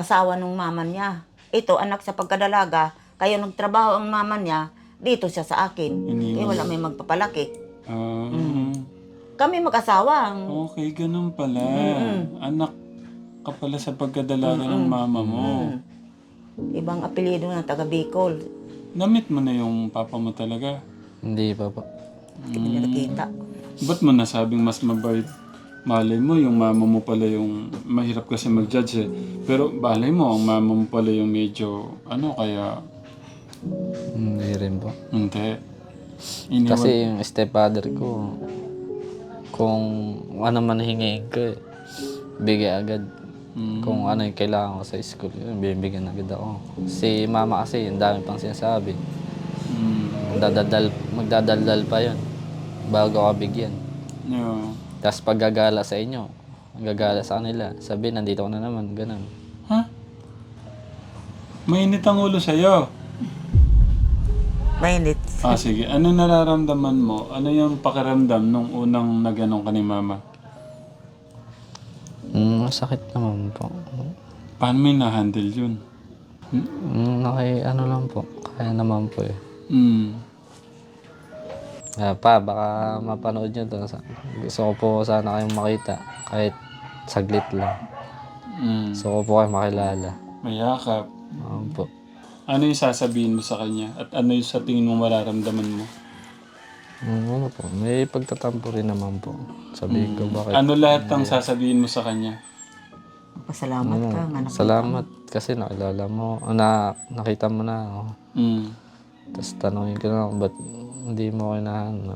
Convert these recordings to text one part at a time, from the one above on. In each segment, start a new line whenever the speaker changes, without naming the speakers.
asawa ng mama niya. Ito, anak sa pagkadalaga, kaya nagtrabaho ang mama niya, dito siya sa akin. Kaya wala may magpapalaki. Kami mag-asawa.
Okay, ganun pala. Anak ka pala sa pagkadalaga ng mama mo.
Ibang apelyido ng taga Bicol.
Namit mo na yung papa mo talaga?
Hindi pa po.
Hindi ko nila nakita.
Ba't mo nasabing mas mabait? Malay mo, yung mama mo pala yung... Mahirap kasi mag-judge eh. Pero balay mo, ang mama mo pala yung medyo... Ano kaya...
Hindi rin po.
Hindi.
Kasi yung stepfather ko, kung ano man hingin ko, bigay agad. Kung ano yung kailangan ko sa school, yun, bibigyan agad ako. Si mama kasi, ang dami pang sinasabi. Magdadaldal pa yun bago ako bigyan.
Yeah.
Tapos paggagala sa inyo, gagala sa kanila, sabi nandito ko na naman, ganun.
Ha? Mainit ang ulo sa'yo.
Mainit.
Sige. Ano nararamdaman mo? Ano yung pakiramdam nung unang naganong ka ni mama?
Sakit naman po.
Paano mo na-handle yun?
Ano lang po, kaya naman po eh. Baka mapanood nyo to. Gusto ko po sana kayong makita, kahit saglit lang. Gusto ko po kayong makilala.
Mayakap.
Po.
Ano yung sasabihin mo sa kanya? At ano yung sa tingin mo mararamdaman mo?
Ano po, may pagtatampo rin naman po. Sabihin ko bakit.
Ano lahat ang sasabihin mo sa kanya?
Pasalamat ka. Anak.
Salamat kasi nakilala mo, nakita mo na ako. Tapos tanongin ko na, ba't hindi mo ako hinahanap?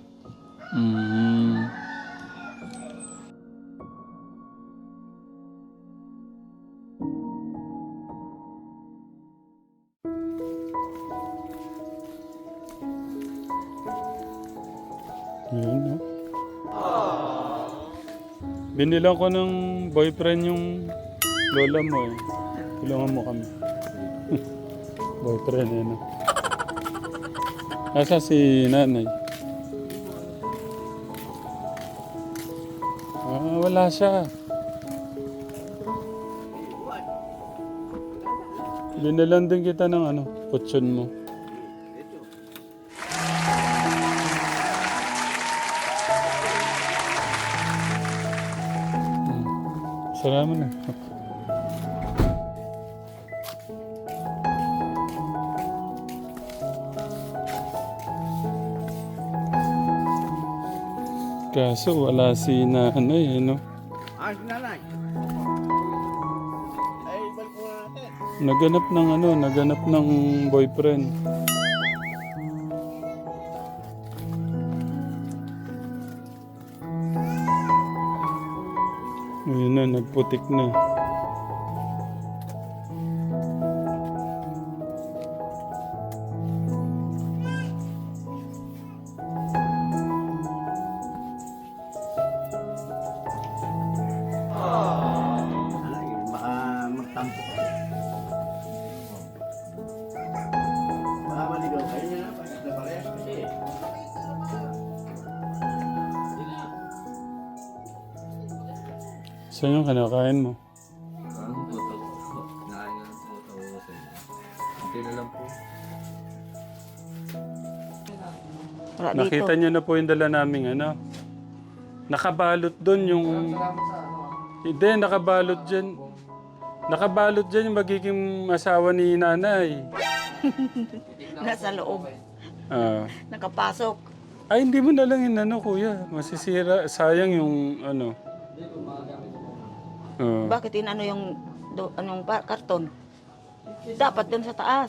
Yun, no? Binilang ko ng boyfriend yung lola mo eh. Tulungan mo kami. Boyfriend eh, no? Asa si nanay? Wala siya. Binilan din kita ng ano, kutsyon mo. Salamat na. Kaso wala si nanay, no?
Si nanay. Ay, balik muna natin.
Naganap ng boyfriend. Ayun na, nagputik na.
Ay, baka magtampo. Baka maligaw kayo niya na. Pagkat na parehas kasi.
Saan yung kinakain mo?
Wala dito.
Nakita niyo na po yung dala naming ano? Nakabalot doon yung... Hindi, nakabalot dyan. Nakabalot dyan yung magiging asawa ni nanay.
Nasa loob. Nakapasok.
Ay, hindi mo na lang inano, kuya. Masisira. Sayang yung ano.
Bakit inano yung anong karton? Dapat dun sa taas.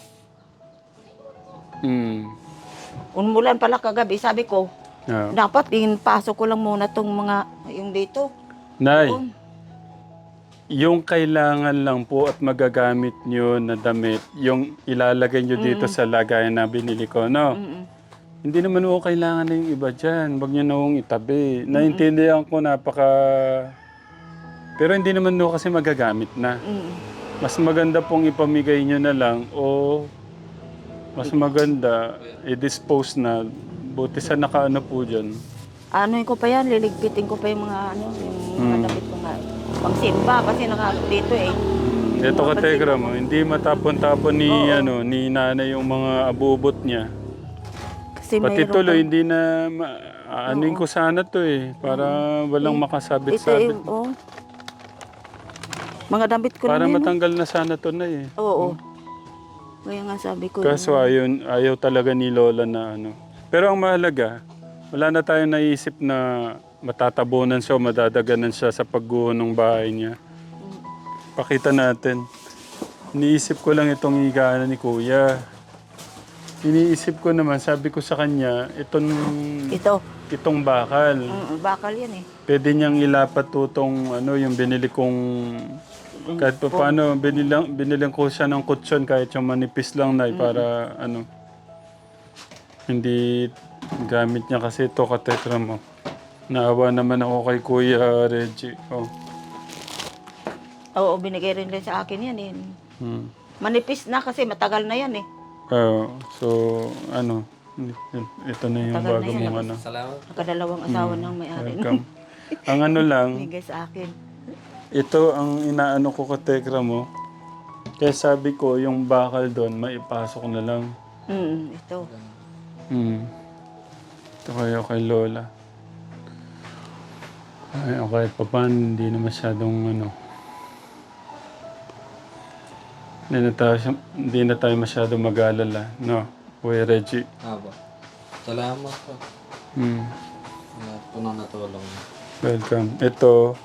Unmulan pala kagabi, sabi ko, dapat pasok ko lang muna tong mga, yung dito.
Nay, yung kailangan lang po at magagamit nyo na damit, yung ilalagay nyo dito sa lagayan na binili ko, no? Hindi naman po kailangan na yung iba dyan. Huwag nyo na hong itabi. Naintindihan ko pero hindi naman po kasi magagamit na. Mas maganda pong ipamigay nyo na lang o mas maganda i-dispose na. Buti sa nakaano po dyan.
Ano ko pa yan, liligpitin ko pa yung mga yung mga damit ko nga. Pangsimba kasi dito eh.
Ito ka Tegra mo, hindi matapon-tapon ni ni nanay yung mga abubot niya.
Kasi
Pati
mayroon
tuloy,
pang-
hindi na aanuin ko sana to para walang
ito
makasabit-sabit.
yung, mga damit ko
Para
lang yan.
matanggal na sana to na
Oo. Kaya nga sabi ko.
Kaso ayaw talaga ni Lola na Pero ang mahalaga, wala na tayong naisip na matatabunan siya o madadaganan siya sa pagguho ng bahay niya. Pakita natin. Iniisip ko lang itong higaan ni Kuya. Iniisip ko naman, sabi ko sa kanya, itong bakal.
Bakal yan eh.
Pwede niyang ilapat tutong yung binili kong kahit pa paano, binilang ko siya ng kutsyon kahit yung manipis lang na para hindi gamit niya kasi ito katekra mo. Naawa naman ako kay Kuya Reggie.
Oo, binigay rin sa akin yan eh. Manipis na kasi matagal na yan eh.
So, ito na yung
Matagal
bago
na yan.
mong
Salamat.
Nakadalawang asawa ng may-ari.
Welcome. Ang lang,
Binigay sa akin.
ito ang inaano ko katekra mo. Kaya sabi ko, yung bakal doon, maipasok na lang.
Ito.
Ito kayo kay Lola. Ay, okay, papan, hindi na masyadong hindi na tayo masyadong mag-alala. No, Kuya Reggie.
Aba. Salamat po. Lahat po na natulong.
Welcome. Ito,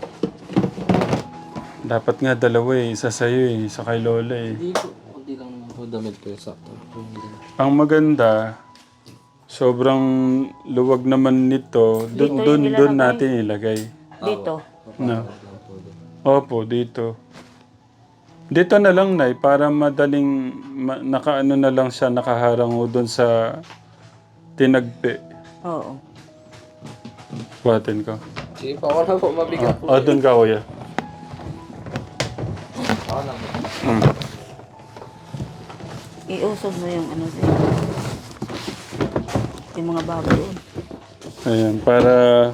dapat nga dalawa isa sa'yo isa kay Lola
Hindi lang naman po damit ko yung sakto.
Ang maganda, sobrang luwag naman nito. Doon natin ilagay.
Dito.
No. Opo, dito. Dito na lang, Nay, para madaling nakaano na lang siya, nakaharang doon sa tinagpi.
Oo.
Buhatin ko.
Sige pa, ako na po mabigat po.
Doon ka, Kuya.
Ako na po.
Iusog mo yung sa'yo. Yung mga baboy doon.
Ayan, para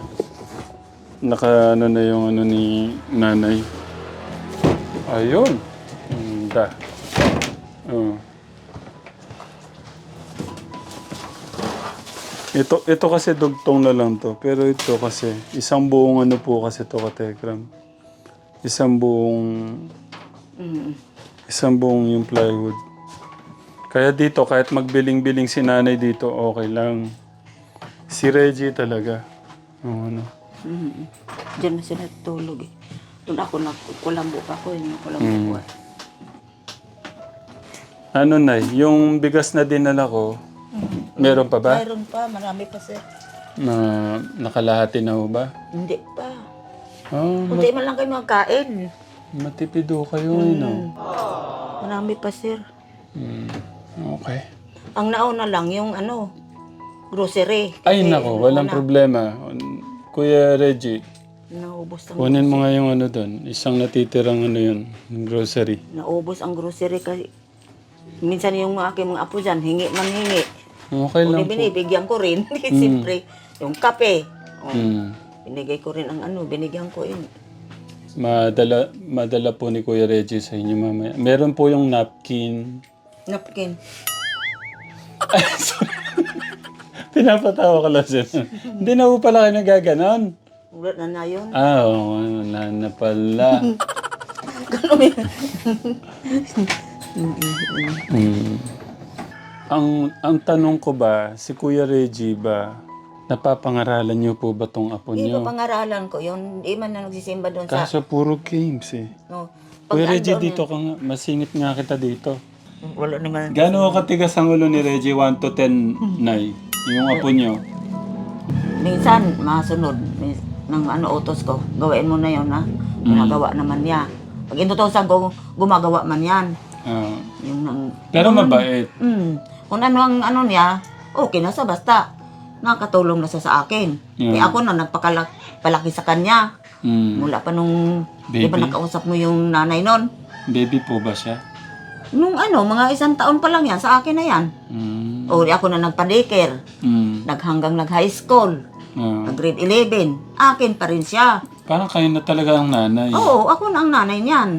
naka na yung ni nanay. Ayun. Da. Ito kasi dugtong na lang to. Pero ito kasi, isang buong po kasi to katekram. Isang buong yung plywood. Kaya dito, kahit magbiling-biling si nanay dito, okay lang. Si Reggie talaga.
Diyan na sila tulog eh. Doon ako kulambo pa ko. Yung kulambo ko.
Nay, yung bigas na dinala ko, meron pa ba?
Mayroon pa, marami pa sir.
Na nakalahati na ho ba?
Hindi pa.
Ah,
Kunti man lang kayo magkain.
matipid ho kayo,
Marami pa sir.
Okay.
Ang nauna lang yung grocery.
Ay,
Kasi
nako, walang problema. Kuya Reggie,
Naubos ang
kunin mo nga yung doon. Isang natitirang yun, grocery.
Naubos ang grocery kasi minsan yung aking mga apo dyan, hingi man hingi.
Okay
Kung
lang po.
binibigyan ko rin, siyempre, yung kape.
Mm.
Binigay ko rin ang binigyan ko yun.
Madala po ni Kuya Reggie sa inyo mamaya. Meron po yung napkin.
Napkin.
Pinapatawa ka lang siya. Hindi na po pala kayo nagaganon.
Ulat na yun.
Oo, wala na pala. Ang tanong ko ba, si Kuya Reggie ba, napapangaralan niyo po ba tong apo
Hindi
niyo?
ko pangaralan ko yun. Di man na nagsisimba doon sa...
Kaso puro games
No,
Kuya Reggie,
andun
dito ka nga. Masingit nga kita dito.
Wala naman.
Gano'n katigas ang ulo ni Reggie? 1 to 10, Nay? Yung apo niyo?
Minsan, masunod. Ng utos ko. Gawain mo na yun, ha? Ginagawa naman niya. Pag inutosan ko, gumagawa man yan.
Ah.
Yung nang...
Pero mabait.
Kung ano ang niya, okay na sa basta. Nakatulong na siya sa akin. Kaya ako na nagpalaki sa kanya. Mula pa nung... Di ba
Baby?
nakausap mo yung nanay nun?
Baby po ba siya?
Nung mga 1 taon pa lang yan, sa akin na yan. O di ako na nagpa-daycare. Hanggang nag-high school. Nag-grade 11. Akin pa rin siya.
Parang kayo na talaga ang nanay.
Oo, ako na ang nanay niyan.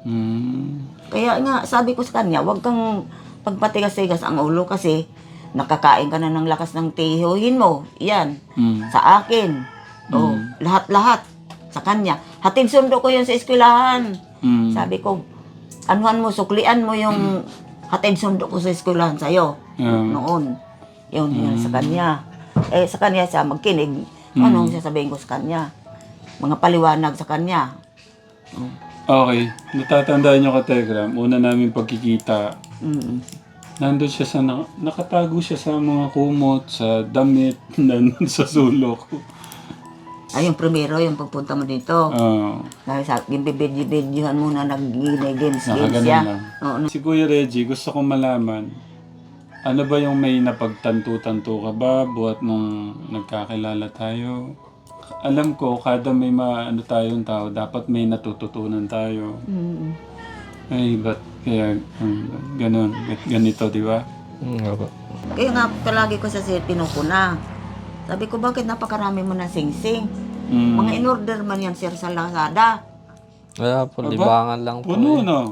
Kaya nga, sabi ko sa kanya, huwag kang pagpatigas-tigas ang ulo kasi nakakain ka na ng lakas ng tihuhin mo. Yan, sa akin. Oh, lahat-lahat sa kanya. Hatid sundo ko yun sa eskwelahan. Sabi ko, anuhan mo, suklian mo yung hatid sundo ko sa eskwelahan sa'yo. Noon. Yun sa kanya. Sa kanya siya magkinig. Anong sasabihin ko sa kanya? Mga paliwanag sa kanya.
Okay. Natatandaan nyo ka, Telegram. Una namin pagkikita. Nandun siya sa... nakatago siya sa mga kumot, sa damit, nandun sa sulok.
Ay, yung primero, yung pagpunta mo dito. Dahil sa akin, bibidyohan mo na nag-games
Nakaganon
siya.
lang.
Oo.
Si Kuya Reggie, gusto kong malaman, ano ba yung may napagtanto-tanto ka ba buhat nung nagkakilala tayo? Alam ko, kada may ano tayong tao, dapat may natututunan tayo. Ay, ba't kaya ganun, ganito, di ba?
Opo.
Kaya nga, palagi ko sa pinupuna. Sabi ko, bakit napakarami mo ng sing-sing? Mga in-order man yan, sir, sa Lazada.
Wala po, libangan lang po.
Puno, no?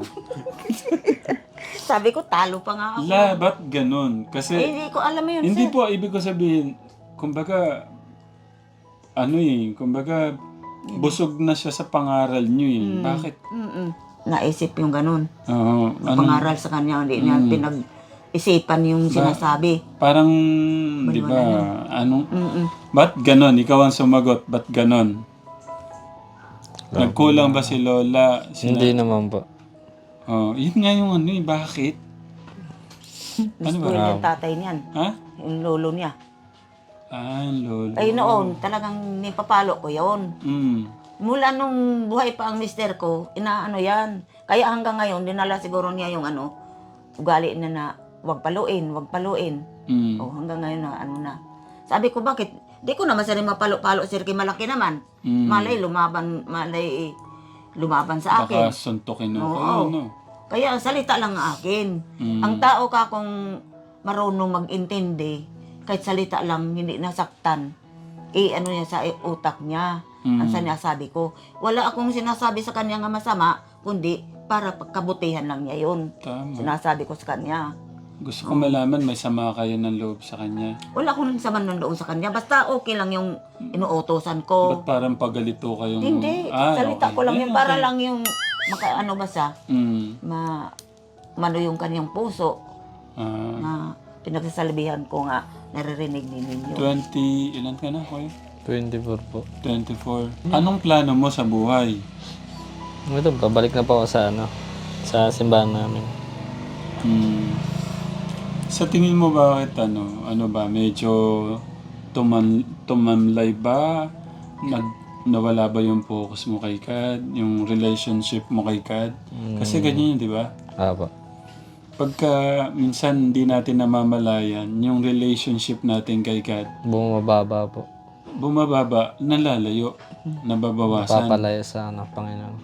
Sabi ko, talo pa nga ako.
Ba't ganun? Kasi,
Hindi ko alam yun,
hindi
sir.
po, ibig ko sabihin, kumbaga, kumbaga, busog na siya sa pangaral niyo eh. Bakit?
Naisip yung ganun.
Oo.
Pangaral sa kanya, hindi niya pinag-isipan yung sinasabi.
Parang, di ba, ba't ganon? Ikaw ang sumagot, ba't ganon? Nagkulang ba si Lola?
Hindi naman po.
Oh, yun nga yung bakit?
Gusto yung tatay niyan.
Ha?
Yung lolo niya.
Yung lolo.
Ay noon, talagang nipapalo ko yun. Mula nung buhay pa ang mister ko, inaano yan. Kaya hanggang ngayon, dinala siguro niya yung ugali na wag paluin. O hanggang ngayon na na. Sabi ko, bakit? Di ko naman sari mapalo-palo, sir, malaki naman. Malay lumaban sa akin.
Baka suntukin ako.
Oo. Kaya salita lang ang akin. Ang tao ka kung marunong mag-intindi, kahit salita lang, hindi nasaktan, niya sa utak niya. Ang sinasabi ko. Wala akong sinasabi sa kanya nga masama, kundi para pagkabutihan lang niya yun.
Tama.
Sinasabi ko sa kanya.
Gusto ko malaman, may sama kayo ng loob sa kanya.
Wala akong sama ng loob sa kanya. Basta okay lang yung inuutosan ko.
Ba't parang pagalito kayong...
Hindi. Salita
okay.
ko lang yun.
Okay.
Para lang yung ba siya? Mano yung kanyang puso. Na pinagsasalbihan ko nga, naririnig din ninyo.
20, ilan ka na, Kuya?
24 po.
24. Anong plano mo sa buhay?
Ito, pabalik na po ako sa simbahan namin.
Sa tingin mo bakit ano ba, medyo tumamlay ba? Nawala ba yung focus mo kay Kad? Yung relationship mo kay Kad? Kasi ganyan yun, di ba?
Apo.
Pagka minsan hindi natin namamalayan, yung relationship natin kay Kad,
Bumababa po.
bumababa, nalalayo, nababawasan.
Papalaya sa Panginoon.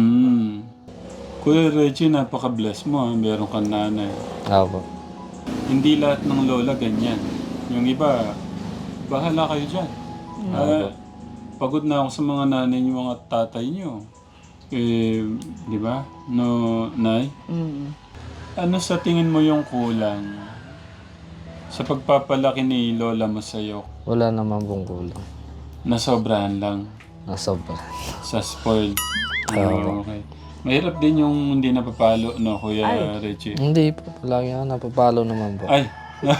Kuya Reggie, napaka-bless mo. Meron kang nanay.
Apo.
Hindi lahat ng lola ganyan. Yung iba, bahala kayo dyan. Pagod na ako sa mga nanay niyo, mga tatay niyo. Di ba? No, Nay? Ano sa tingin mo yung kulang sa pagpapalaki ni lola mo sa'yo?
Wala naman pong kulang.
Nasobrahan lang.
Nasobra.
Sa spoiled. Okay. Mahirap din yung hindi napapalo, no, Kuya Reggie?
Hindi po. Lagi ako napapalo naman po.
Ay!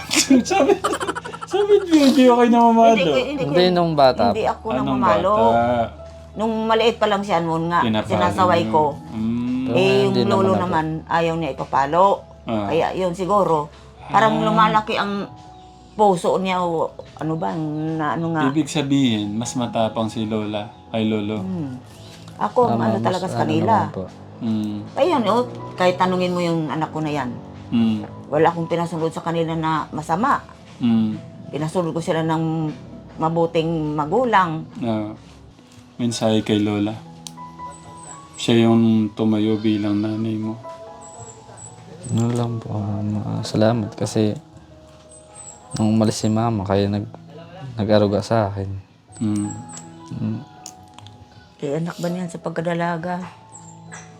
sabi niyo, hindi okay na mamalo.
Hindi nung bata
Hindi
po.
ako namamalo. Nung maliit pa lang siya noon nga, sinasaway ko. Yung
hindi
lolo
naman
naman, ayaw niya ipapalo. Kaya yun siguro, parang lumalaki ang puso niya o ano ba, nga.
Ibig sabihin, mas matapang si Lola kay Lolo.
Ako, ano talaga sa kanila.
naman po.
Kaya yun, kahit tanungin mo yung anak ko na yan, wala akong pinasunod sa kanila na masama. Pinasunod ko sila ng mabuting magulang.
Mensahe kay Lola. Siya yung tumayo bilang nanay mo.
Ano lang po. Salamat kasi nung umalis si mama, kaya nag-aruga sa akin.
Anak ba niyan sa pagkadalaga?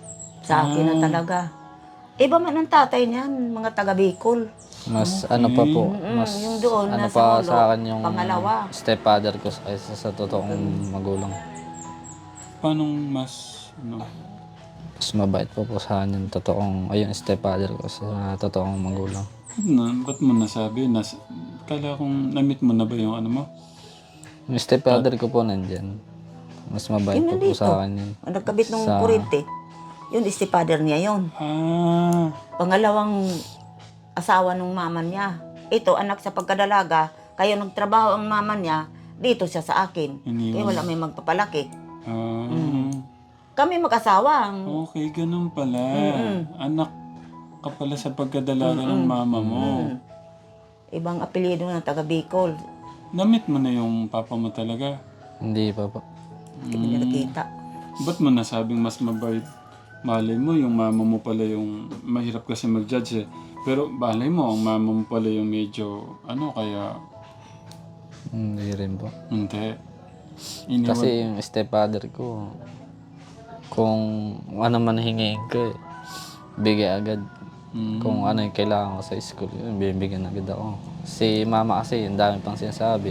Sa akin na talaga. Iba man ang tatay niyan, mga taga Bicol.
Mas ano pa po, mas
yung doon,
ano
nasa
pa
ulo,
sa akin yung
pangalawa.
stepfather ko kaysa sa totoong magulang.
Paano mas, ano?
Mas mabait po sa akin yung totoong, ayun, stepfather ko sa totoong magulang.
Ba't mo nasabi? Kala kong na-meet mo na ba yung ano mo?
Yung stepfather ko po nandyan. Mas mabait
Yun
po
nandito.
sa akin yun.
Ang nagkabit ng
Sa-
kurente. Yun, father niya yun.
Ah,
Pangalawang asawa ng mama niya. Ito, anak sa pagkadalaga. Kaya nagtrabaho ang mama niya, dito siya sa akin.
Iniwan.
Kaya wala may magpapalaki.
ah.
Kami mag-asawa.
Okay, ganun pala. Anak ka pala sa pagkadalaga ng mama mo.
Ibang apelyido ng taga Bicol.
Na-meet mo na yung papa mo talaga?
Hindi pa po.
Hindi nila nakita.
Ba't mo nasabing mas mabait? Malay mo, yung mama mo pala yung mahirap kasi mag-judge eh. Pero balay mo, ang mama mo pala yung medyo, ano kaya,
Hindi rin po.
hindi.
Kasi yung stepfather ko, kung ano man hingin ko, bigay agad. Kung ano yung kailangan ko sa school, yun, bibigyan agad ako. Si mama kasi, ang dami pang sinasabi.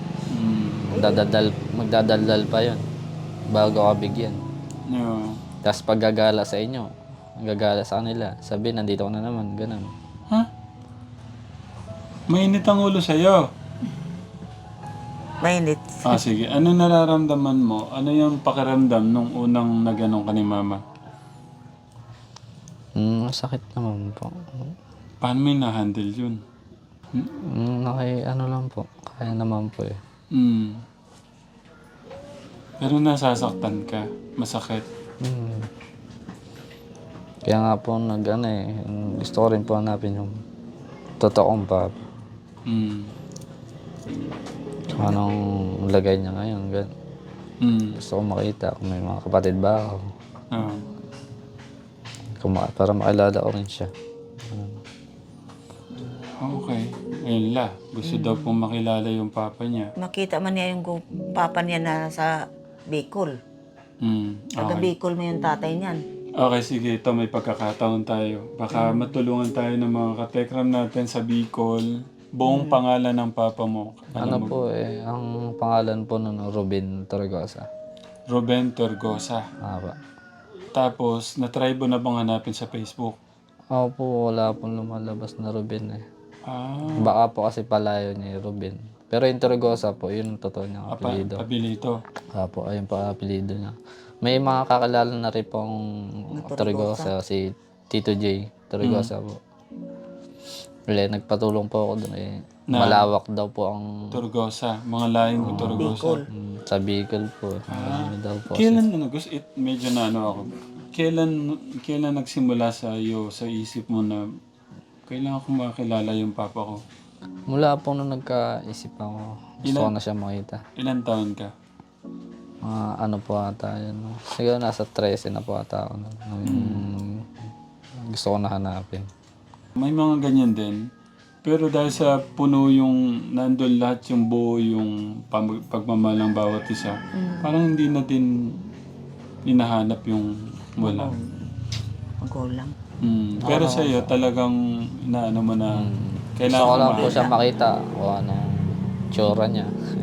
Magdadaldal pa yun bago ako bigyan.
Yeah.
Tapos pag gagala sa inyo, gagala sa kanila, sabi, nandito ko na naman, ganun.
Ha? Mainit ang ulo sa'yo.
Mainit.
Ah, sige. Ano nararamdaman mo? Ano yung pakiramdam nung unang naganong ka ni mama?
Sakit naman po.
Paano mo na-handle yun?
Ano lang po, kaya naman po eh.
Pero nasasaktan ka. Masakit.
Kaya nga po gusto ko rin po hanapin yung totoong papa. Anong lagay niya ngayon, gan. Gusto ko makita kung may mga kapatid ba ako.
Ah.
Para makilala ko rin siya.
Okay. Ayun la. Gusto daw pong makilala yung papa niya.
Makita man niya yung papa niya na sa Bicol. Taga
Okay.
Bicol mo yung tatay niyan.
Okay, sige. Ito may pagkakataon tayo. Baka matulungan tayo ng mga katekram natin sa Bicol. Buong pangalan ng papa mo.
Ano po eh, ang pangalan po nun, Ruben Torregosa.
Ruben Torgosa.
Apa.
Tapos, na-try mo na bang hanapin sa Facebook?
Ako po, wala pong lumalabas na Ruben eh.
Ah,
Baka po kasi palayo niya yung Ruben. Pero yung Torregosa po, yun ang totoo niyang apelido.
abilito.
Apo, ayun po ang apelido niya. May mga kakilala na rin pong Torregosa, si Tito J. Torregosa po. Wala, nagpatulong po ako doon eh. Malawak daw po ang
Torgosa. Mga laing Torgosa.
sa Bicol po. Marami daw po.
Kailan gusto medyo na ano ako. Kailan nagsimula sa iyo sa isip mo na kailangan ko makilala yung papa ko?
Mula po nung nagkaisip ako, gusto ko na siya makita.
Ilan taon ka?
Ano po ata yun. No? Siguro nasa 13 na po ata ako. Gusto ko na hanapin.
May mga ganyan din. Pero dahil sa puno yung nandun lahat yung buo yung pagmamahal ng bawat isa, parang hindi na din hinahanap yung wala.
Magulang.
Pero sa iyo talagang inaano mo na
Gusto ko
kailangan
lang
mo
po siya makita kung anong tsura niya.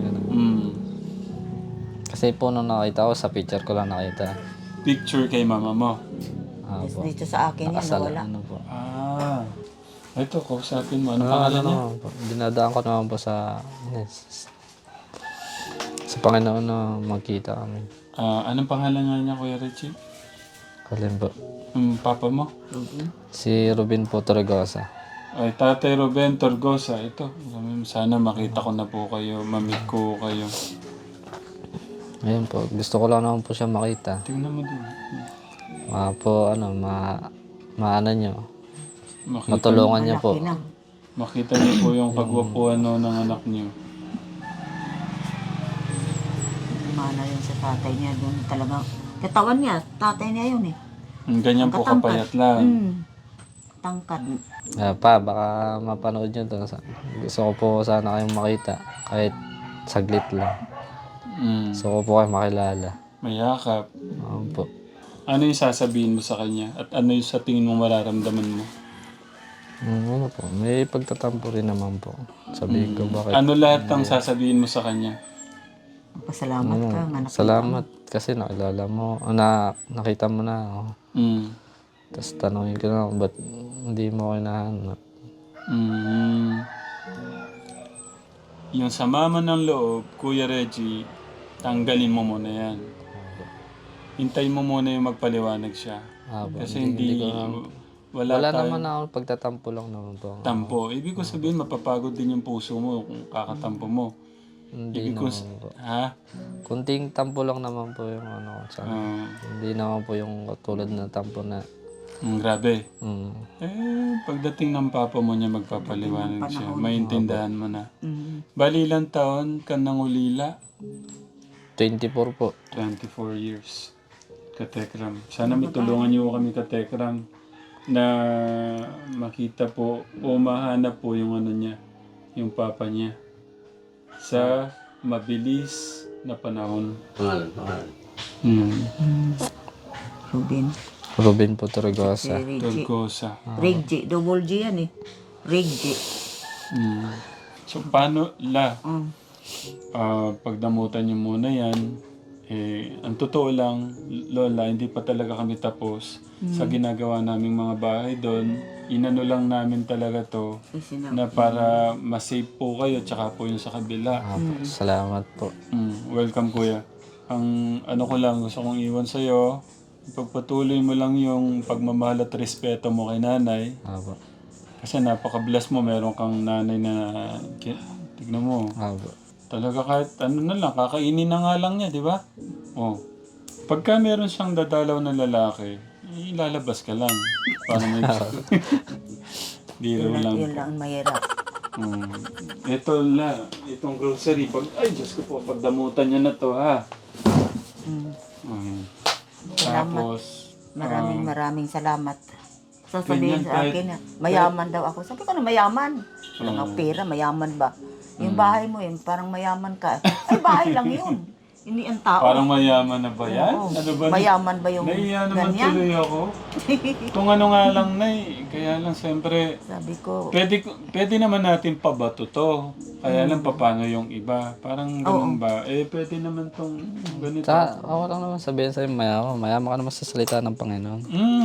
Kasi po nung nakita ko, sa picture ko lang nakita.
Picture kay mama mo.
Dito sa akin yan,
Nakasala,
wala.
ano po.
Ito, kausapin mo. Ano pangalan niya?
naman po. Dinadaan ko naman po sa Panginoon na magkita kami.
Anong pangalan nga niya, Kuya Richie?
Kalin po.
Papa mo?
Si Ruben po Torregosa.
Ay, Tatay Ruben Torgosa. Ito, sana makita ko na po kayo, mamit ko kayo.
Ayun po, gusto ko lang naman po siya makita.
Tingnan mo din.
Maano nyo,
Makita,
matulungan niyo po.
Pinang.
makita niyo po yung kagwapuan no, ng anak niyo.
Mana yun sa tatay niya. Doon talaga. Katawan niya, tatay niya yun eh.
Ganyan po kapayat lang.
Tangkad.
Baka mapanood nyo to. Gusto ko po sana kayong makita. Kahit saglit lang. Gusto ko po kayo makilala.
Mayakap.
Po.
Ano yung sasabihin mo sa kanya? At ano yung sa tingin mo mararamdaman mo?
Ano po, may pagtatampo rin naman po. Sabihin ko bakit.
Ano lahat ang sasabihin mo sa kanya?
Pasalamat ka nga.
Salamat kasi nakilala mo, nakita mo na ako. Tapos tanongin ko na, ba't hindi mo ako hinahanap?
Yung sa mama ng loob, Kuya Reggie, tanggalin mo muna yan. Hintayin mo muna yung magpaliwanag siya. Kasi hindi wala
naman ako, pagtatampo lang naman po.
tampo. Ibig ko sabihin, mapapagod din yung puso mo kung kakatampo mo.
Hindi
Ibig ko,
naman po.
ha?
Kunting tampo lang naman po yung ano ko sa hindi naman po yung tulad na tampo na.
Grabe.
Mm.
Pagdating ng papa mo niya, magpapaliwanag siya. Maintindahan mo na.
Mm.
Bali ilang taon ka nang ulila?
24 po.
24 years. Katekram. Sana matulungan niyo kami, Katekram, na makita po o mahanap po yung ano niya, yung papa niya sa mabilis na panahon.
Ruben po Torregosa.
Torgosa.
Reggie. Double G yan eh. Reggie.
So paano pagdamutan niyo muna yan, ang totoo lang, Lola, hindi pa talaga kami tapos sa ginagawa naming mga bahay doon. Inano lang namin talaga to na para masave po kayo tsaka po yung sa kabila.
Salamat po.
Welcome, Kuya. Ang ano ko lang, gusto kong iwan sa'yo, pagpatuloy mo lang yung pagmamahal at respeto mo kay nanay.
Apo.
Kasi napaka-bless mo, meron kang nanay na, tignan mo,
Apo.
talaga kahit ano na lang, kakainin na nga lang niya, di ba? Oh. Pagka meron siyang dadalaw na lalaki, ilalabas ka lang. Para may biro lang.
Yun lang ang mahirap.
Itong grocery, ay Diyos ko po, pagdamutan niya na to, ha? Tapos,
Maraming salamat. Sasabihin
ganyan,
sa akin na mayaman daw ako. Sabi ko na mayaman. Walang pera, mayaman ba? Yung bahay mo yun, parang mayaman ka. Ay, bahay lang yun. Hindi ang tao.
parang mayaman na ba yan?
Oo.
Ano ba?
Mayaman ba yung
Naiya naman
ganyan?
tuloy ako. Kung ano nga lang, Nay. Kaya lang, siyempre,
Sabi ko,
pwede naman natin pabato to. Kaya lang, paano yung iba? Parang ganun ba? Pwede naman tong ganito.
Ako lang naman sabihin sa'yo, mayaman ka naman sa salita ng Panginoon.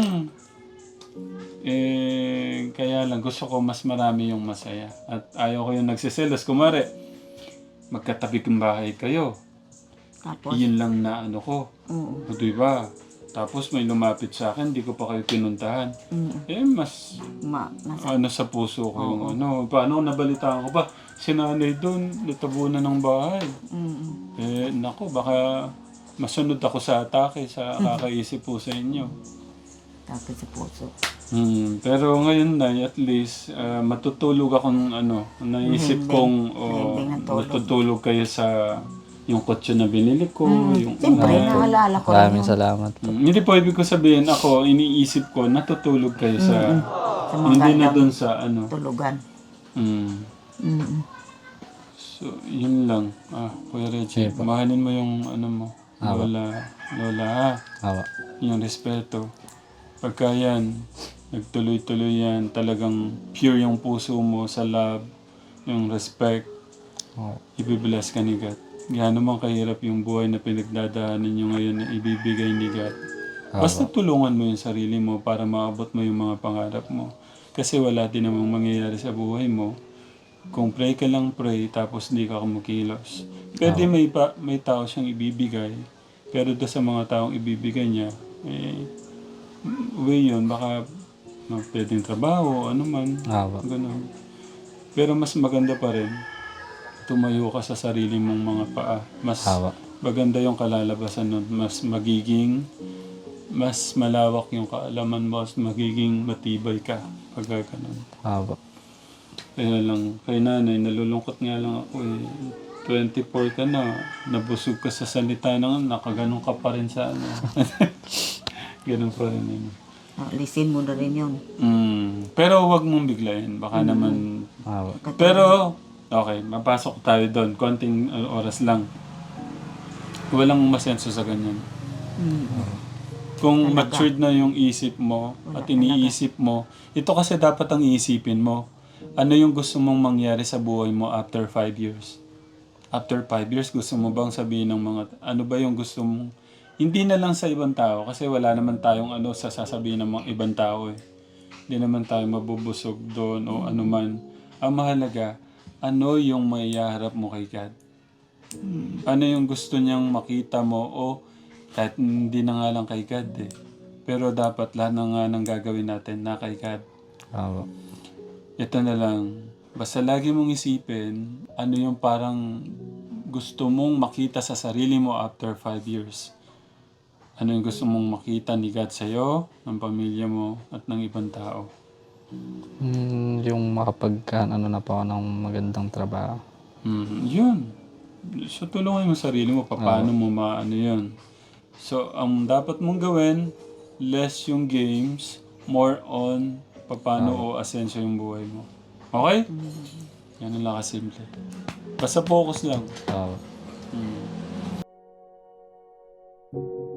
Kaya lang, gusto ko mas marami yung masaya. At ayaw ko yung nagsiselos. Kumare, magkatabi kong bahay kayo.
tapos,
Iyon lang na ano ko.
oo.
O diba? Tapos may lumapit sa akin, di ko pa kayo pinuntahan. Mas ano sa puso ko yung ano. Paano nabalitaan ko pa? Si nanay doon, natabunan ng bahay. Naku, baka masunod ako sa atake, sa kakaisip po sa inyo.
Tapos sa puso.
Pero ngayon na, at least, matutulog akong ano, naisip kong matutulog kayo sa yung kotse na binili ko. Yung
Siyempre, naalala ko
Maraming salamat po.
Hindi po ibig ko sabihin ako, iniisip ko, natutulog kayo sa, hindi na doon sa ano.
tulugan.
So, yun lang. Kuya Reggie, mahalin mo yung ano mo, Lola ha.
Awa.
Yung respeto. Pagka yan, nagtuloy-tuloy yan, talagang pure yung puso mo sa love, yung respect, ibibless ka ni God. Gaano man kahirap yung buhay na pinagdadaanan nyo ngayon na ibibigay ni God. Basta tulungan mo yung sarili mo para maabot mo yung mga pangarap mo. Kasi wala din namang mangyayari sa buhay mo. Kung pray ka lang pray, tapos hindi ka kumukilos. Pwede may tao siyang ibibigay, pero doon sa mga taong ibibigay niya, way yun, baka pwedeng trabaho, ano man, ganun. Pero mas maganda pa rin, tumayo ka sa sarili mong mga paa. Mas maganda yung kalalabasan nun. Mas malawak yung kaalaman mo, mas magiging matibay ka pag ganun. Kaya lang, kay nanay, nalulungkot nga lang ako 24 ka na, nabusog ka sa salita ng nakaganon ka pa rin sa ano. Ganun pa rin yun.
Lisin mo na rin yun.
Pero wag mong biglayin. Baka naman... Pero, okay, mapasok tayo doon. Konting oras lang. Walang masenso sa ganyan. Kung matured na yung isip mo at iniisip mo, ito kasi dapat ang iisipin mo. Ano yung gusto mong mangyari sa buhay mo after 5 years? After 5 years, gusto mo bang sabihin ng mga, ano ba yung gusto mong, hindi na lang sa ibang tao, kasi wala naman tayong ano sa sasabihin ng mga ibang tao eh. Hindi naman tayo mabubusog doon o ano man. Ang mahalaga, ano yung maiharap mo kay God? Ano yung gusto niyang makita mo o kahit hindi na nga lang kay God eh. Pero dapat lahat na nga ng gagawin natin na kay God.
Oo.
Ito na lang. Basta lagi mong isipin, ano yung parang gusto mong makita sa sarili mo after 5 years. Ano yung gusto mong makita ni God sa'yo, ng pamilya mo, at ng ibang tao.
Yung ano na po ako ng magandang trabaho.
Yun. So, tulungan mo sarili mo, paano mo maano yun. So, ang dapat mong gawin, less yung games, more on paano o asenso yung buhay mo. Okay? Yan lang kasimple. Basta focus lang.
Oo.